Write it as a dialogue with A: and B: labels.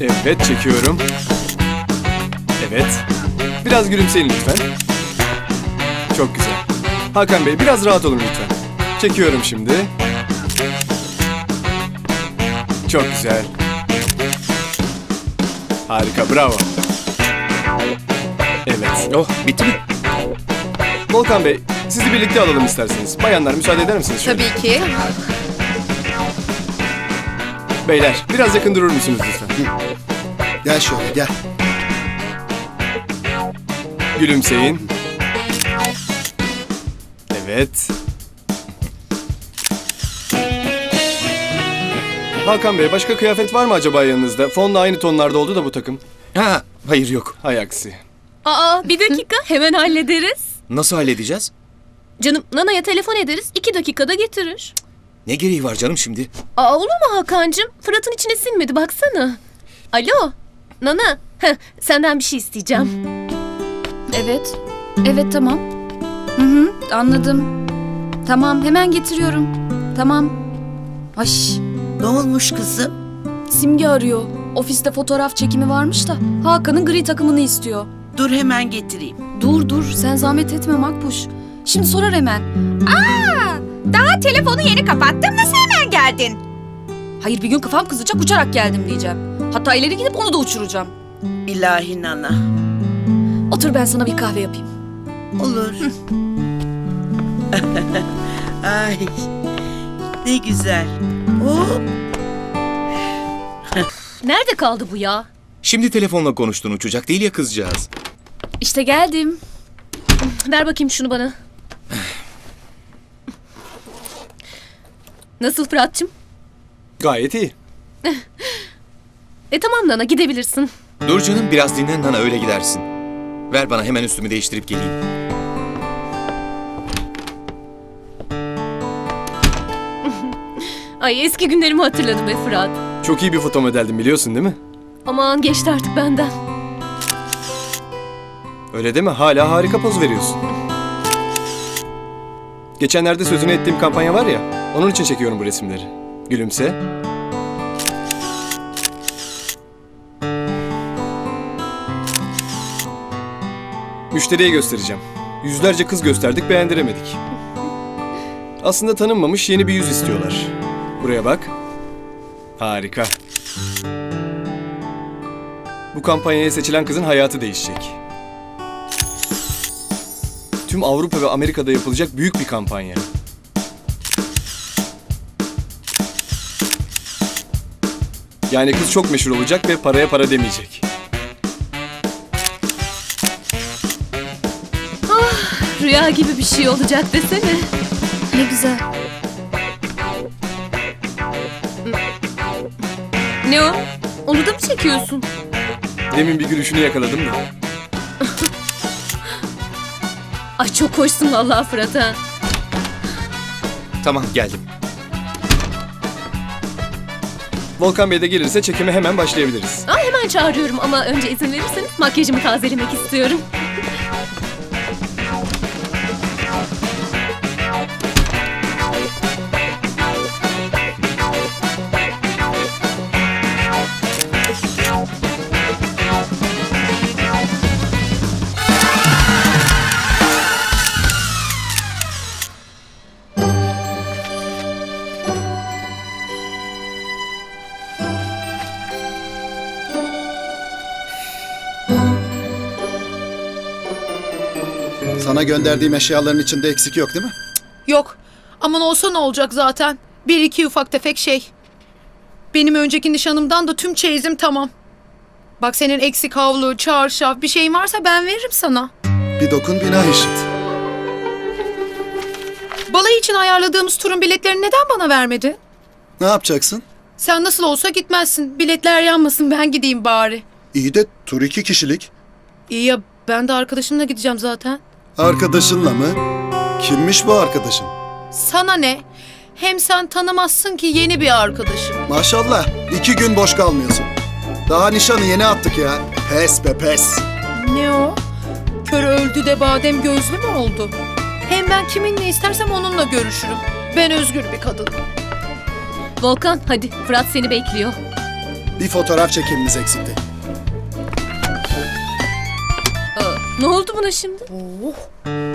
A: Evet, çekiyorum. Evet. Biraz gülümseyin lütfen. Çok güzel. Hakan Bey, biraz rahat olun lütfen. Çekiyorum şimdi. Çok güzel. Harika, bravo. Evet.
B: Oh, bitti mi?
A: Volkan Bey, sizi birlikte alalım isterseniz. Bayanlar, müsaade eder misiniz şöyle?
C: Tabii ki.
A: Beyler, biraz yakın durur musunuz lütfen?
D: Gel şöyle gel.
A: Gülümseyin. Evet. Hakan Bey, başka kıyafet var mı acaba yanınızda? Fonla aynı tonlarda oldu da bu takım.
B: Ha, hayır yok.
A: Hay aksi.
E: Aa, bir dakika, hemen hallederiz.
B: Nasıl halledeceğiz?
E: Canım, Nana'ya telefon ederiz, 2 dakikada getirir.
B: Ne gereği var canım şimdi?
E: Aa, olur mu Hakan'cığım? Fırat'ın içine sinmedi, baksana. Alo, Nana, senden bir şey isteyeceğim.
F: Evet. Evet, tamam. Hı, anladım. Tamam, hemen getiriyorum. Tamam. Ay,
C: Ne olmuş kızım?
F: Simge arıyor. Ofiste fotoğraf çekimi varmış da Hakan'ın gri takımını istiyor.
C: Dur hemen getireyim.
F: Dur, sen zahmet etme Makbuş. Şimdi sorar hemen.
G: Daha telefonu yeni kapattım. Nasıl hemen geldin?
F: Hayır, bir gün kafam kızacak, uçarak geldim diyeceğim. Hatta ileri gidip onu da uçuracağım.
C: İlahi Nana.
F: Otur, ben sana bir kahve yapayım.
C: Olur. Ay. Ne güzel. Oh.
E: Nerede kaldı bu ya?
B: Şimdi telefonla konuştun, uçacak değil ya kızcağız.
F: İşte geldim.
E: Ver bakayım şunu bana. Nasıl Fırat'cığım?
A: Gayet iyi.
E: Tamam Nana, gidebilirsin.
B: Dur canım, biraz dinlen Nana, öyle gidersin. Ver bana, hemen üstümü değiştirip geleyim.
E: Ay, eski günlerimi hatırladım be Fırat.
A: Çok iyi bir foto modeldin, biliyorsun değil mi?
E: Aman, geçti artık benden.
A: Öyle deme, hala harika poz veriyorsun. Geçenlerde sözünü ettiğim kampanya var ya, onun için çekiyorum bu resimleri. Gülümse. Müşteriye göstereceğim. Yüzlerce kız gösterdik, beğendiremedik. Aslında tanınmamış yeni bir yüz istiyorlar. Buraya bak. Harika. Bu kampanyaya seçilen kızın hayatı değişecek. Tüm Avrupa ve Amerika'da yapılacak büyük bir kampanya. Yani kız çok meşhur olacak ve paraya para demeyecek.
E: Rüya gibi bir şey olacak desene.
F: Ne güzel.
E: Ne o? Onu da mı çekiyorsun?
A: Demin bir gülüşünü yakaladım da.
E: Ay, çok hoşsun vallahi Fırat ha.
B: Tamam, geldim.
A: Volkan Bey de gelirse çekime hemen başlayabiliriz.
E: Hemen çağırıyorum ama önce izin verirseniz makyajımı tazelemek istiyorum.
D: Sana gönderdiğim eşyaların içinde eksik yok değil mi?
H: Yok. Aman olsa ne olacak zaten. Bir iki ufak tefek şey. Benim önceki nişanımdan da tüm çeyizim tamam. Bak, senin eksik havlu, çarşaf bir şeyin varsa ben veririm sana.
D: Bir dokun günah işit.
H: Balayı için ayarladığımız turun biletlerini neden bana vermedi?
D: Ne yapacaksın?
H: Sen nasıl olsa gitmezsin. Biletler yanmasın, ben gideyim bari.
D: İyi de tur 2 kişilik.
H: İyi ya, ben de arkadaşımla gideceğim zaten.
D: Arkadaşınla mı? Kimmiş bu arkadaşın?
H: Sana ne? Hem sen tanımazsın ki yeni bir arkadaşım.
D: Maşallah 2 gün boş kalmıyorsun. Daha nişanı yeni attık ya. Pes be pes.
H: Ne o? Kör öldü de badem gözlü mü oldu? Hem ben kiminle istersem onunla görüşürüm. Ben özgür bir kadınım.
E: Volkan, hadi Fırat seni bekliyor.
D: Bir fotoğraf çekimimiz eksikti.
E: Ne oldu buna şimdi?